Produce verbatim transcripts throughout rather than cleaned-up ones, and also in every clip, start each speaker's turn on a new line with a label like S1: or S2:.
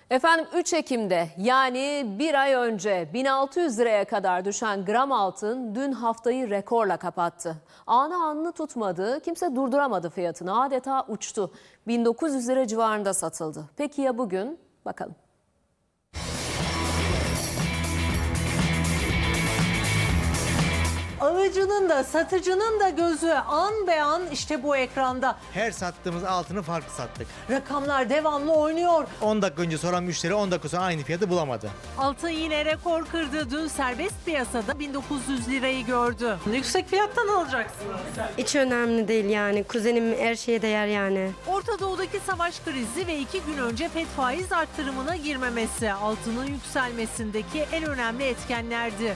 S1: Efendim üç Ekim'de yani bir ay önce bin altı yüz liraya kadar düşen gram altın dün haftayı rekorla kapattı. Anı anını tutmadı, kimse durduramadı fiyatını, adeta uçtu. bin dokuz yüz lira civarında satıldı. Peki ya bugün? Bakalım.
S2: Alıcının da satıcının da gözü an be an işte bu ekranda.
S3: Her sattığımız altını farklı sattık.
S2: Rakamlar devamlı oynuyor.
S3: on dakika önce soran müşteri on dakika sonra aynı fiyatı bulamadı.
S2: Altın yine rekor kırdı. Dün serbest piyasada bin dokuz yüz lirayı gördü. Yüksek fiyattan alacaksınız.
S4: Hiç önemli değil yani. Kuzenim her şeye değer yani.
S2: Orta Doğu'daki savaş krizi ve iki gün önce FED faiz arttırımına girmemesi altının yükselmesindeki en önemli etkenlerdi.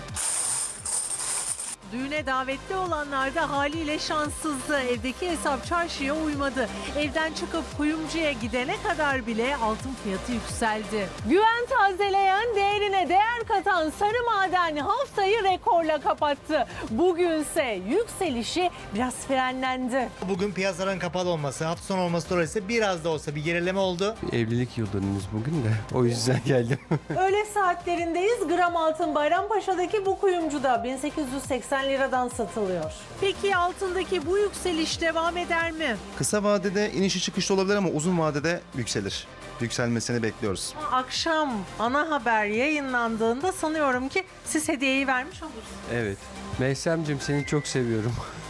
S2: Düğüne davetli olanlar da haliyle şanssızdı. Evdeki hesap çarşıya uymadı. Evden çıkıp kuyumcuya gidene kadar bile altın fiyatı yükseldi. Güven tazeleyen, değerine değer katan sarı maden haftayı rekorla kapattı. Bugünse yükselişi biraz frenlendi.
S3: Bugün piyasaların kapalı olması, hafta sonu olması dolayısıyla biraz da olsa bir gerileme oldu.
S5: Evlilik yıl dönümümüz bugün de o yüzden geldim.
S2: Öğle saatlerindeyiz. Gram altın Bayrampaşa'daki bu kuyumcuda bin sekiz yüz seksen liradan satılıyor. Peki altındaki bu yükseliş devam eder mi?
S6: Kısa vadede inişi çıkışlı olabilir ama uzun vadede yükselir. Yükselmesini bekliyoruz.
S2: Akşam ana haber yayınlandığında sanıyorum ki siz hediyeyi vermiş olursunuz.
S5: Evet. Meysemciğim seni çok seviyorum.